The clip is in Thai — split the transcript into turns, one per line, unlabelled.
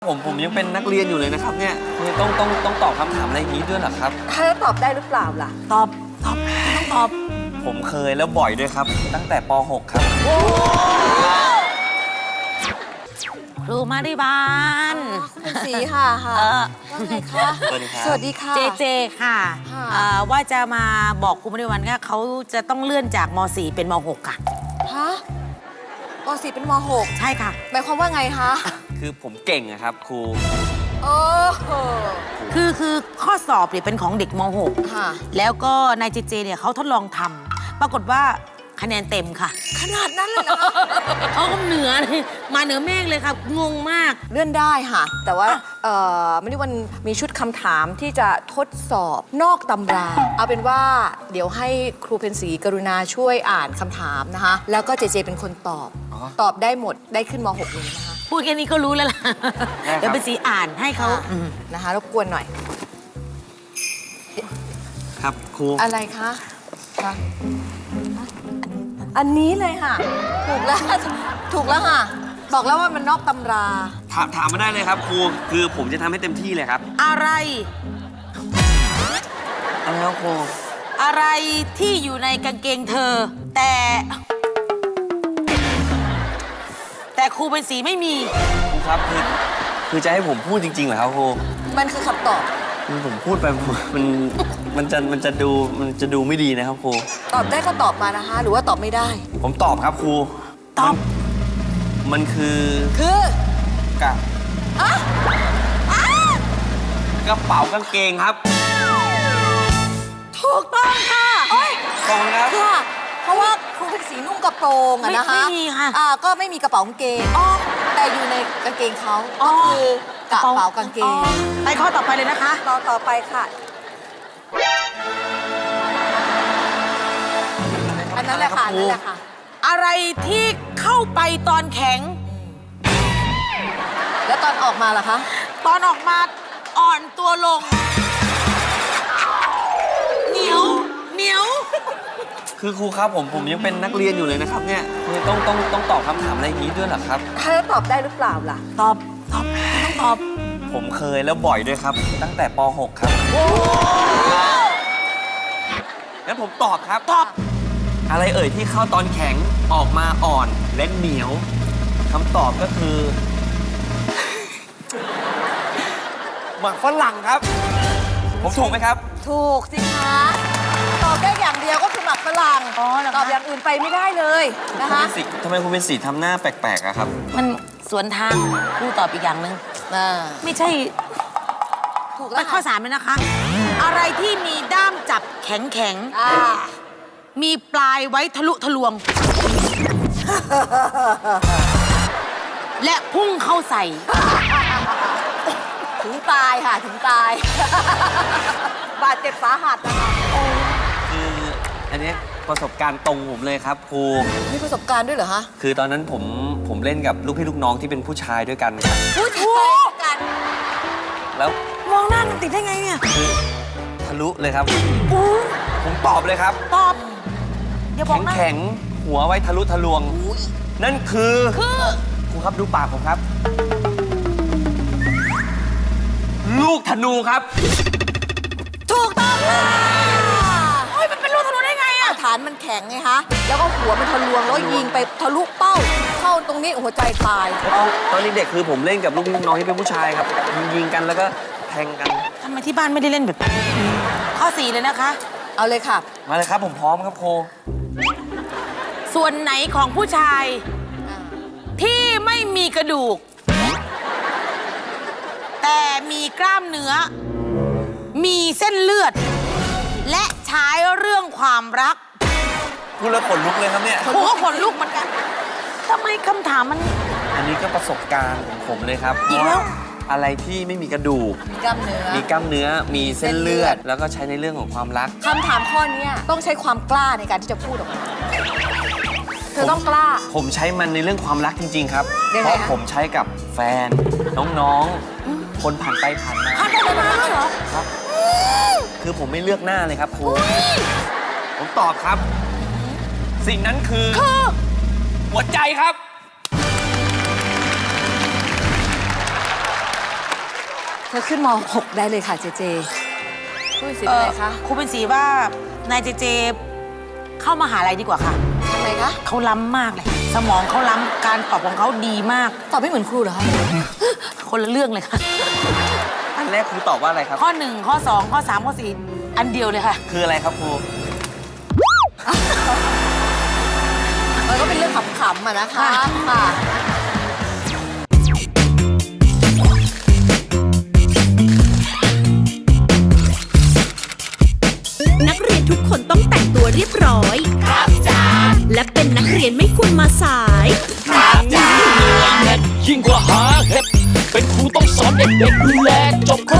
ผมยังเป็นนักเรียนอยู่เลยนะครับเนี่ยต้องตอบคำถามอะไรอย่างนี้ด้วยเหรอครับ
ถ้าจะตอบได้หรือเปล่าล่ะ
ต้องตอบ
ผมเคยแล้วบ่อยด้วยครับตั้งแต่ป .6 ครับ
ครูมาริบาล
คุณศรีค่ะว่าไงคะ
สวัสดีครับ
สวัสดีค่ะ
เจค่ะว่าจะมาบอกครูมาริบาลค่ะเขาจะต้องเลื่อนจากม .4 เป็นม .6 ค่ะ
ฮะม .4 เป็นม .6
ใช่ค่ะ
หมายความว่าไงคะ
คือผมเก่งอะครับครู
โอ้โห
คือข้อสอบเนี่ยเป็นของเด็กม
ค่ะ
.6 แล้วก็นายเจเนี่ยเขาทดลองทำปรากฏว่าคะแนนเต็มค่ะ
ขนาดนั้นเลยนะ
เขาก็เหนือเลยมาเหนือเมฆเลยค่ะงงมาก
เลื่อนได้ค่ะแต่ว่าไม่ได้วันมีชุดคำถามที่จะทดสอบนอกตำราเอาเป็นว่าเดี๋ยวให้ครูเพ็ญศรีกรุณาช่วยอ่านคำถามนะคะแล้วก็เจเป็นคนตอบได้หมดได้ขึ้นม .6 เลยนะคะ
พูดแค่นี้ก็รู้แล้วล่ะเดี๋ยวเป็นสีอ่านให้เขา
นะคะรบกวนหน่อย
ครับครู
อะไรคะอันนี้เลยค่ะถูกแล้วค่ะบอกแล้วว่ามันนอกตำรา
ถามมาได้เลยครับครูคือผมจะทำให้เต็มที่เลยครับ
อะไร
ครับครู
อะไรที่อยู่ในกางเกงเธอแต่ครูเป็นสีไม่มี
ครูครับคือจะให้ผมพูดจริงๆเหรอครับครู
มันคือคำตอบ
คือผมพูดไปมันจะดูไม่ดีนะครับครู
ตอบได้ก็ตอบมานะคะหรือว่าตอบไม่ได้
ผมตอบครับครู
ตอบ
มันคือกระเป๋ากางเกงครับ
ถูกต้องค่ะ
ตรงครับ
ค่ะเพราะว่าครูเป็นสีนุ่งกระโปรงอะนะคะ
ไม่มีค่ะ
ก็ไม่มีกระเป๋ากางเกงแต่อยู่ในกางเกงเขาก็คือกระเป๋ากางเกง
ไปข้อต่อไปเลยนะคะ
ต่อไปค่ะอันนั้นแหละค่ะ
อะไรที่เข้าไปตอนแข็ง
แล้วตอนออกมาล่ะคะ
ตอนออกมาอ่อนตัวลงเหนียว
คือครูครับผมยังเป็นนักเรียนอยู่เลยนะครับเนี่ยต้องตอบคำถามอะไรอย่างนี้ด้วยเหรอครับ
ถ้าจะตอบได้หรือเปล่าล่ะ
ตอบ
ผมเคยแล้วบ่อยด้วยครับตั้งแต่ป .6 ครับงั้นผมตอบครับอะไรเอ่ยที่เข้าตอนแข็งออกมาอ่อนและเหนียวคำตอบก็คือหมักฝรั่งครับผมถูกไหมครับ
ถูกสิคะตอบได้อย่างเดียวก็คือหมักฝรั่งตอบอย่างอื่นไปไม่ได้เลยนะคะ
ทำไมคุณเป็นสีทำหน้าแปลกๆอะครับ
มันสวนทางครูตอบอีกอย่างหนึ่งไม่ใช่
ถูก
แล้วข้อ3เลยนะคะอะไรที่มีด้ามจับแข็งมีปลายไว้ทะลุทะลวงและพุ่งเข้าใส่
ถึงตายค่ะถึงตายบาดเจ็บสาหัสนะคะ
คืออันนี้ประสบการณ์ตรงผมเลยครับครู
มีประสบการณ์ด้วยเหรอคะ
คือตอนนั้นผมเล่นกับลูกพี่ลูกน้องที่เป็นผู้ชายด้วยกันครับ
ผู้ชายกัน
แล้วมองหน้ามันติดได้ไงเนี่ย
ทะลุเลยครับผมตอบเลยครับ
ตอบอย่าบอกนะ
แข็งหัวไว้ทะลุทะลวงนั่นคือครูครับดูปากผมครับลูกธนูครับ
ถูกต้องค่ะ
มันเป็นลูกธนูได้ไงอะ
ฐานมันแข็งไงคะแล้วก็หัวมันทะลวงแล้วยิงไปทะลุเป้าเข้าตรงนี้หัวใจตาย
ตอนนี้เด็กคือผมเล่นกับลูกพี่ลูกน้องที่เป็นผู้ชายครับยิงกันแล้วก็แทงกัน
ทำไมที่บ้านไม่ได้เล่นแบบข้อ4เลยนะคะ
เอาเลยค่ะ
มาเลยครับผมพร้อมครับโค
ส่วนไหนของผู้ชายที่ไม่มีกระดูกแต่มีกล้ามเนื้อมีเส้นเลือดและใช้เรื่องความรัก
พูดแล้วขนลุกเลยครับเนี่ย
ผมก็ขนลุกเหมือนกันทำไมคำถามมัน
อันนี้ก็ประสบการณ์ของผมเลยครับ
อีกแล้ว
อะไรที่ไม่มีกระดูก
มีกล้ามเ
นื้อมีเส้นเลือดแล้วก็ใช้ในเรื่องของความรัก
คำถามข้อนี้ต้องใช้ความกล้าในการที่จะพูดออกมาเธอต้องกล้า
ผมใช้มันในเรื่องความรักจริงๆครับเพราะผมใช้กับแฟนน้องๆคนผ่านไปผ่านมา
เหรอ
ครับคือผมไม่เลือกหน้าเลยครับครูผมตอบครับสิ่งนั้นคือหัวใจครับ
เธอขึ้นม .6 ได้เลยค่ะเจเจคุยสิอะไรคะ
ครูเป็นสีว่านายเจเจเข้ามหาลัยดีกว่าค่ะ
ทำไมคะ
เขาล้ำมากเลย สมองเขาล้ำการตอบของเขาดีมาก
ตอบไม่เหมือนครูเหรอคะ
คนละเรื่องเลยค่ะ
อันแรกครูตอบว่าอะไรครับ
ข้อ 1 ข้อ 2 ข้อ 3 ข้อ 4 อันเดียวเลยค่ะ
คืออะไรครับครู
มันก็เป็นเรื่องขำๆอะนะคะค่ะ
นักเรียนทุกคนต้องแต่งตัวเรียบร้อย ครับจ้าและเป็นนักเรียนไม่ควรมาสาย
ยิ่งกว่าหาเห็ดเป็นครูต้องสอนเด็กๆดูแลจบ